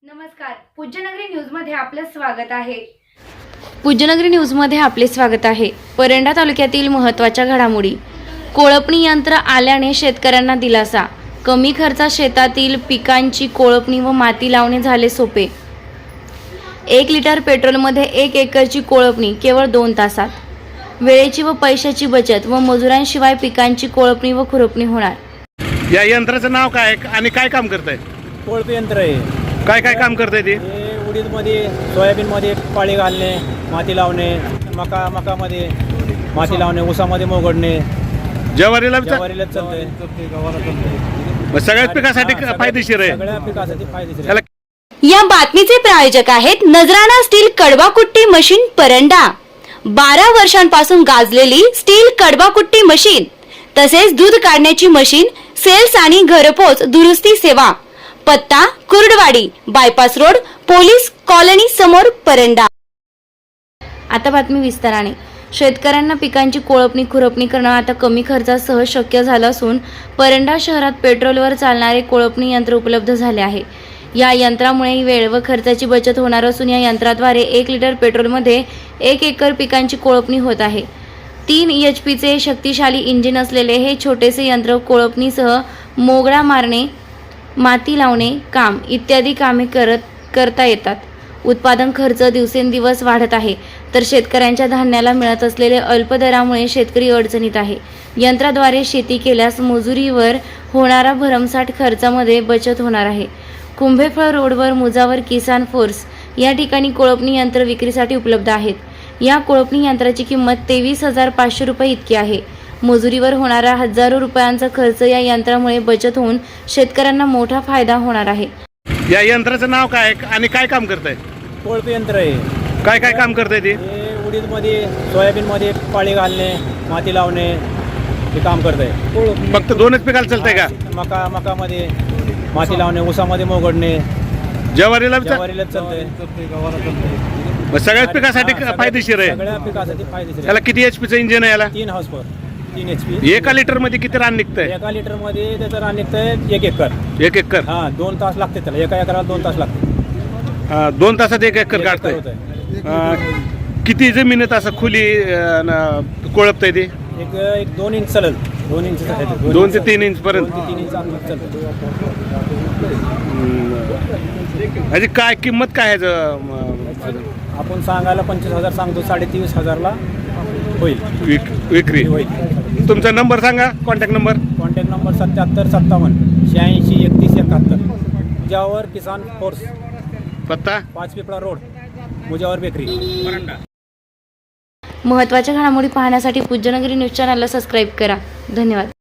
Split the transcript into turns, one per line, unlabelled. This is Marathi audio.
नमस्कार, पूज्यनगरी न्यूजमध्ये आपलं स्वागत आहे. पूज्यनगरी न्यूजमध्ये आपले स्वागत आहे. परंडा तालुक्यातील महत्त्वाच्या घडामोडी. कोळपणी यंत्र आल्याने शेतकऱ्यांना दिलासा. कमी खर्चात शेतातील पिकांची कोळपणी व माती लावणे झाले सोपे. 1 लिटर पेट्रोलमध्ये 1 एकरची कोळपणी केवळ 2 तासात. वेळेची व पैशाची बचत व मजुरांशिवाय पिकांची कोळपणी व खुरपणी होणार.
या यंत्राचं नाव काय आणि काय काम करतंय?
कोळप यंत्र आहे.
काय काय काम करतंय ते?
उडीदमध्ये, सोयाबीनमध्ये पाळी घालणे, माती लावणे, मकामध्ये माती लावणे, ऊसामध्ये मोगडणे,
ज्वारीला
ज्वारीला चालते,
सगळ्याच पिकासाठी फायदेशीर आहे.
सगळ्या पिकासाठी फायदेशीर
त्याला
आहे.
या बातमीचे प्रायोजक आहेत नजराना स्टील कडवाकुट्टी मशीन परंडा. 12 वर्षांपासून गाजलेली स्टील कडवाकुट्टी मशीन तसेच दूध काढण्याची मशीन, सेल्स आणि घरपोच दुरुस्ती सेवा. पत्ता Kurduwadi, bypass road, police colony समोर, परंडा. आता बातमी विस्ताराने. शेतकऱ्यांना पिकांची कोळपणी खुरपणी करणं आता कमी खर्चात सहज शक्य झालं असून परंडा शहरात पेट्रोलवर चालणारे कोळपणी यंत्र उपलब्ध झाले आहे. या यंत्रामुळे वेळ व खर्चाची बचत होणार असून या यंत्राद्वारे 1 लिटर पेट्रोलमध्ये 1 एकर पिकांची कोळपणी होत आहे. 3 HP शक्तिशाली इंजिन असलेले हे छोटेसे यंत्र कोळपणीसह मोगळा मारणे, माती लावणे काम इत्यादी कामे करता येतात. उत्पादन खर्च दिवसेंदिवस वाढत आहे तर शेतकऱ्यांच्या धान्याला मिळत असलेले अल्प दरामुळे शेतकरी अडचणीत आहे. यंत्राद्वारे शेती केल्यास मजुरीवर होणारा भरमसाठ खर्चामध्ये बचत होणार आहे. कुंभेफळ रोडवर मुजावर किसान फोर्स या ठिकाणी कोळपणी यंत्र विक्रीसाठी उपलब्ध आहेत. या कोळपणी यंत्राची किंमत 23,500 रुपये इतकी आहे. मजुरीवर होणारा हजारो रुपयांचा खर्च या यंत्रामुळे बचत होऊन शेतकऱ्यांना मोठा फायदा होणार आहे.
या यंत्राचं नाव काय आणि काय काम करतंय?
कोळप यंत्र आहे.
काय काय काम करतंय ते?
उडीदमध्ये, सोयाबीनमध्ये पाळी घालणे, माती लावणे हे काम करत आहे.
फक्त 2च पिकाला चालतंय का?
मकामध्ये माती लावणे, ऊसामध्ये मोगडणे,
ज्वारीला
ज्वारीला चालते,
सगळ्याच पिकासाठी फायदेशीर आहे.
सगळ्या पिकासाठी फायदेशीर आहे.
याला किती HP इंजिन आहे? याला
3 हॉर्स पॉवर, 3 HP.
1 लिटर मध्ये किती रान निघतंय?
1 लिटर मध्ये त्याचं रान निघतंय 1 एकर.
1 एकर.
2 तास लागते त्याला. 1 एकराला 2 तास लागते.
2 तासात 1 एकर काढतंय. किती जमिनीत असं खुली कोळपतंय ते?
एक 2 इंच चालेल. 2 इंच
2 ते 3 इंच पर्यंत.
3 इंच अंतर चालतं.
म्हणजे काय किंमत काय आहे?
आपण सांगायला 25,000 सांगतो, 23,500 ला होईल
विक्री.
होईल.
तुमचा नंबर सांगा, contact number.
Contact number 7757 86 31 71. Mujawar Kisan force,
पत्ता
5 पिपळा रोड, मुजावर बेकरी, परंडा.
महत्त्वाच्या घडामोडी पाहण्यासाठी पूज्यनगरी न्यूज चॅनलला सबस्क्राईब करा. धन्यवाद.